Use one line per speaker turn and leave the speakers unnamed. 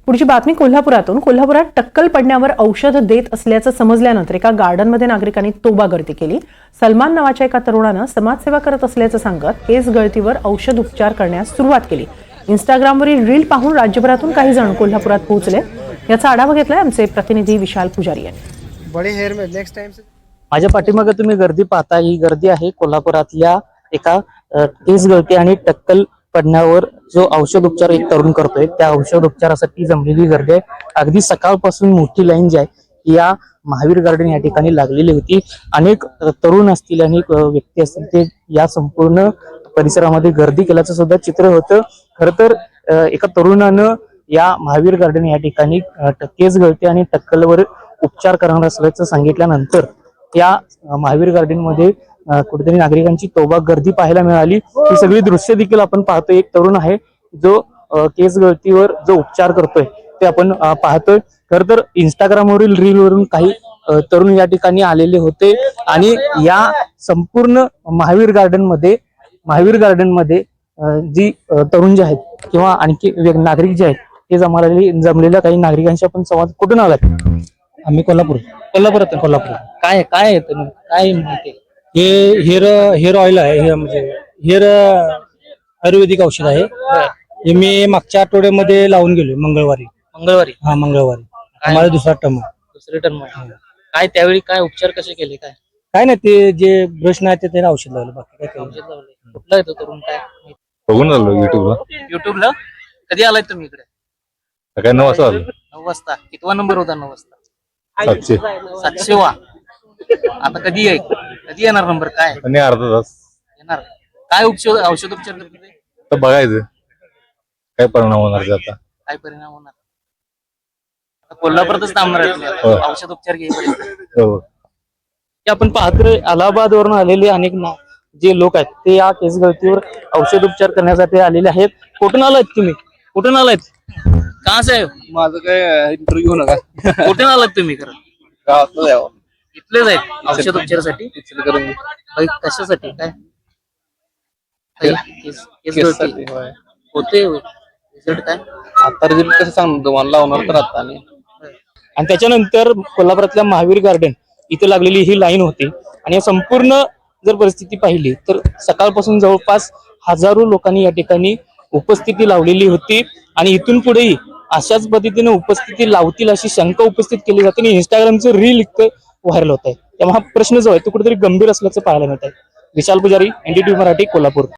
पुढची बातमी कोल्हापुरातून। कोल्हापुरात टक्कल पडण्यावर औषध देत असल्याचं समजल्यानंतर एका गार्डनमध्ये नागरिकांनी तोबा गर्दी केली। सलमान नावाच्या एका तरुणानं समाजसेवा करत असल्याचं सांगत केस गळतीवर औषध उपचार करण्यास सुरुवात केली। इंस्टाग्रामवरील रील पाहून राज्यभरातून काही जण कोल्हापुरात पोहोचले। याचा आढावा घेतलाय आमचे प्रतिनिधी विशाल पुजारी यांनी।
बड़े हेयर में नेक्स्ट टाइम से
माझ्या पाठीमागे तुम्ही गर्दी पाहता, ही गर्दी आहे कोल्हापुरातल्या एका केस गळती आणि टक्कल पडण्यावर जो औषध उपचार एक तरुण करतोय त्या औषध उपचारासाठी जमलेली गर्दी आहे। अगदी सकाळपासून मोठी लाईन जी आहे या महावीर गार्डन या ठिकाणी लागलेली होती। अनेक तरुण असतील, अनेक व्यक्ती असतील, ते या संपूर्ण परिसरामध्ये गर्दी केल्याचं सुद्धा चित्र होतं। खरं तर एका तरुणानं या महावीर गार्डन या ठिकाणी केस गळती आणि टक्कलवर उपचार करणार असल्याचं सांगितल्यानंतर या महावीर गार्डन मध्ये कुठेतरी नागरिकांची तोबा गर्दी पाहायला मिळाली। ही सगळी दृश्य देखील आपण पाहतोय। एक तरुण आहे जो केस गळतीवर जो उपचार करतोय ते आपण पाहतोय। खर तर इंस्टाग्रामवरील रील वरून काही तरुण या ठिकाणी आलेले होते आणि या संपूर्ण महावीर गार्डन मध्ये जी तरुण जे आहेत किंवा आणखी नागरिक जे आहेत ते जमलेल्या काही नागरिकांशी आपण संवाद कुठून आलात?
आम्ही कोल्हापुरात
काय काय येतं, काय माहिती?
हे हेअर ऑइल आहे, हे म्हणजे हेअर आयुर्वेदिक औषध आहे। हे मी मागच्या आठवड्यामध्ये लावून गेलो मंगळवारी। हा, मंगळवारी आम्हाला दुसरा
टर्म काय त्यावेळी काय उपचार कसे केले?
काय नाही, ते जे ब्रश नाही ते औषध लावलं, बाकी काय
औषध लावले। कुठला येतो तरुण काय
बघून आलो
युट्यूबला कधी आलाय तुम्ही इकडे?
सकाळी 9 वाजता आलो।
9 वाजता कितवा नंबर होता? 9 वाजता
700
वा। आता कधी येणार नंबर? काय
आणि अर्धा तास
येणार? काय औषध उपचार करते?
तर बघायचं काय परिणाम होणार ते आता।
काय परिणाम होणार? कोल्हापुरातच थांबणार आहे तुम्ही औषध उपचार घ्यायपर्यंत?
हो।
आपण पाहतोय अलाहाबाद वरून आलेले अनेक जे लोक आहेत ते या केस गळतीवर औषध उपचार करण्यासाठी आलेले आहेत। कुठून आलात तुम्ही? कुठून आलात? का साहेब?
माझं काय इंटरव्ह्यू नका।
कुठून आलात तुम्ही? खरं
गावातलं जावं
इथलेच आहेत औषध उपचारासाठी? कशासाठी? काय केस गळती होते? रिझल्ट काय
आता रिझल्ट कसं सांगतो तुम्हाला, लावणार तर आता
आणि त्याच्यानंतर कोल्हापुरातल्या महावीर गार्डन इथे लागलेली ही लाईन होती आणि या संपूर्ण जर परिस्थिती पाहिली तर सकाळपासून जवळपास हजारो लोकांनी या ठिकाणी उपस्थिती लावलेली होती आणि इथून पुढेही अशाच पद्धतीने उपस्थिती लावतील अशी शंका उपस्थित केली जाते आणि इंस्टाग्रामचं रील इतकं व्हायरल होत आहे। त्यामुळे हा प्रश्न जो आहे तो कुठेतरी गंभीर असल्याचं पाहायला मिळत आहे। विशाल पुजारी, NDTV मराठी, कोल्हापूर।